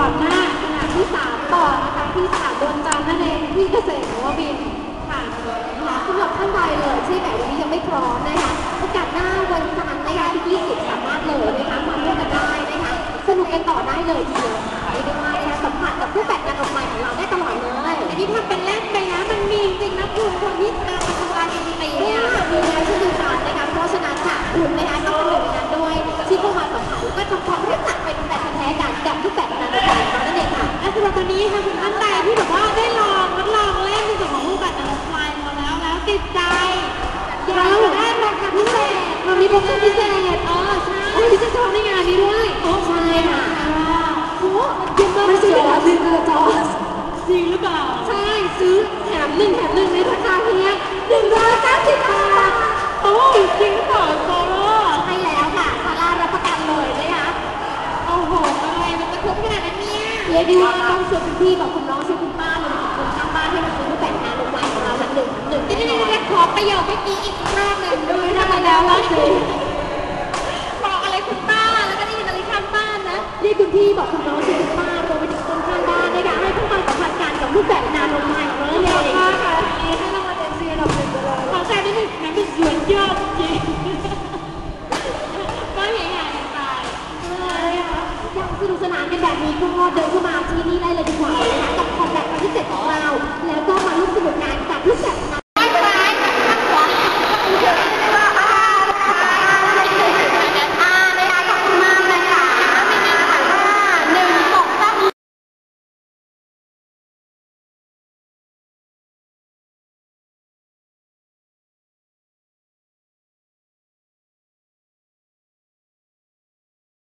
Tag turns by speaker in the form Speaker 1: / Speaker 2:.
Speaker 1: ก่อนหน้าขนาดที่3ต่อนะคะที่สนามดวงจันทร์นั่นเองที่เกษตรนวมินทร์ค่ะสำหรับท่านใดเลยที่แบบวันนี้ยังไม่พร้อมนะคะโอกาสหน้าวันจันทร์นะคะที่20สามารถเลยนะคะมาร่วมกันได้นะคะสนุกกันต่อได้เลยทีเดียวเรียกได้ว่านะคะสัมผัสกับรูปแบบงานออกมาของเราได้ตลอดเลยอันนี้ทำเป็นเล่นไปนะมันมีจริงนะคุณคนที่มาทำงานจริงๆเนี่ยมีแล้วเช่นเดียวกันนะคะเพราะฉะนั้นค่ะคุณนะคะก็เป็นหนึ่งในนั้นด้วยที่เข้ามาสัมผัสแล้วก็ทำความรู้จักเป็นแบบแท้ๆกันกับรูปแบบงานออกมานั่นเองค่ะและสำหรับตอนนี้ค่ะคุณท่านใดที่แบบว่าได้ลองทดลองเล่นในส่วนของรูปแบบงานออกมาแล้วติดใจอยากจะได้ราคาพิเศษเรามีโปรโมชั่นพิเศษใช่พิเศษในงานนี้ด้วยใช่ค่ะโอ้ยมันซื้อแบบ1 กระจกจริงหรือเปล่าใช่ซื้อแถม1 แถม 1ในราคาเพียง190 บาทโอ้จริงหรือเปล่าโซโล่ใช่แล้วค่ะซาร่ารับประกันเลยนะคะโอ้โหอะไรมันจะคุ้มขนาดนั้นเนี่ยเรียกได้ว่าต้องชวนคุณพี่กับคุณน้องชวนคุณป้าเลยคุณข้างบ้านให้มาซื้อรูปแบบงานลงไว้ของเรา1 1แน่นอนขอประโยคเมื่อกี้อีกรอบหนึ่งด้วยทำไมแล้วล่ะบอกอะไรคุณป้าแล้วก็ได้ยินอะไรข้างบ้านนะเรียกคุณพี่บอกคุณน้องชวนคุณป้ารวมไปถึงคนข้างบ้านนะคะให้เข้ามาสัมผัสกันกับรูปแบบงานลงไม้ของเรา